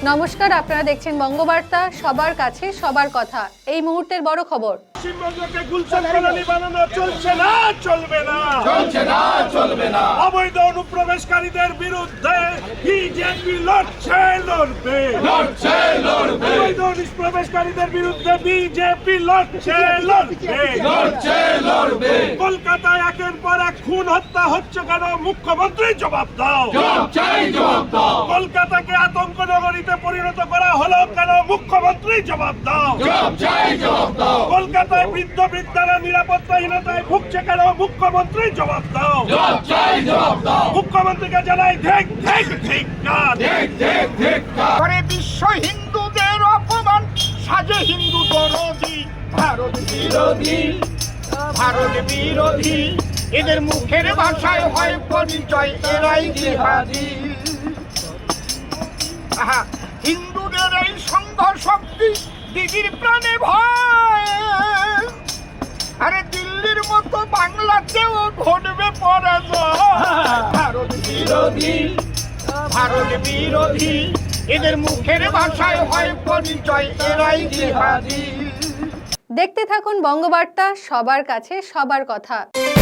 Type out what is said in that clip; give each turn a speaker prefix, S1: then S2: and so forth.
S1: নমস্কার, আপনারা দেখছেন বঙ্গবার্তা, সবার কাছে সবার কথা। এই মুহূর্তের বড় খবর।
S2: পশ্চিমবঙ্গকে গুলশান কলোনি বানানো চলছে না, চলবে না,
S3: চলছে না, চলবে না।
S2: অবৈধ অনুপ্রবেশকারীদের বিরুদ্ধে বিজেপি লড়ছে, লড়বে,
S3: লড়ছে, লড়বে,
S2: অবৈধ অনুপ্রবেশকারীদের বিরুদ্ধে বিজেপি লড়ছে, লড়বে,
S3: লড়ছে, লড়বে।
S2: কলকাতায় একের পর এক খুন হত্যা হচ্ছে কেন? মুখ্যমন্ত্রী জবাব দাও।
S3: জবাব চাই, জবাব দাও।
S2: কলকাতাকে আতঙ্ক নগরীতে পরিণত করা হলো কেন? মুখ্যমন্ত্রী জবাব দাও।
S3: জবাব চাই, জবাব দাও।
S2: কলকাতায় বৃদ্ধ বৃদ্ধারা নিরাপত্তাহীনতায় ভুগছে কেন? মুখ্যমন্ত্রী জবাব দাও।
S3: জবাব চাই, জবাব দাও।
S2: মুখ্যমন্ত্রীকে জানাই ধিক ধিক ধিক কাজ।
S3: ঠিক, ঠিক, ঠিক।
S4: করে বিশ্ব হিন্দুদের অপমান, সাজে হিন্দু দরদি, ভারত বিরোধী, ভারত বিরোধী। এদের মুখের ভাষায় হয় পরিচয়, এরাই জিহাদি। আহা, হিন্দুদের এই সংঘ শক্তি দিদির প্রাণে ভয়। আরে দিল্লির মতো বাংলাতেও ঘটবে পরাজয়। ভারত বিরোধী, ভারত বিরোধী। এদের মুখের ভাষায় হয় পরিচয়, এরাই জিহাদি।
S1: দেখতে থাকুন বঙ্গবার্তা, সবার কাছে সবার কথা।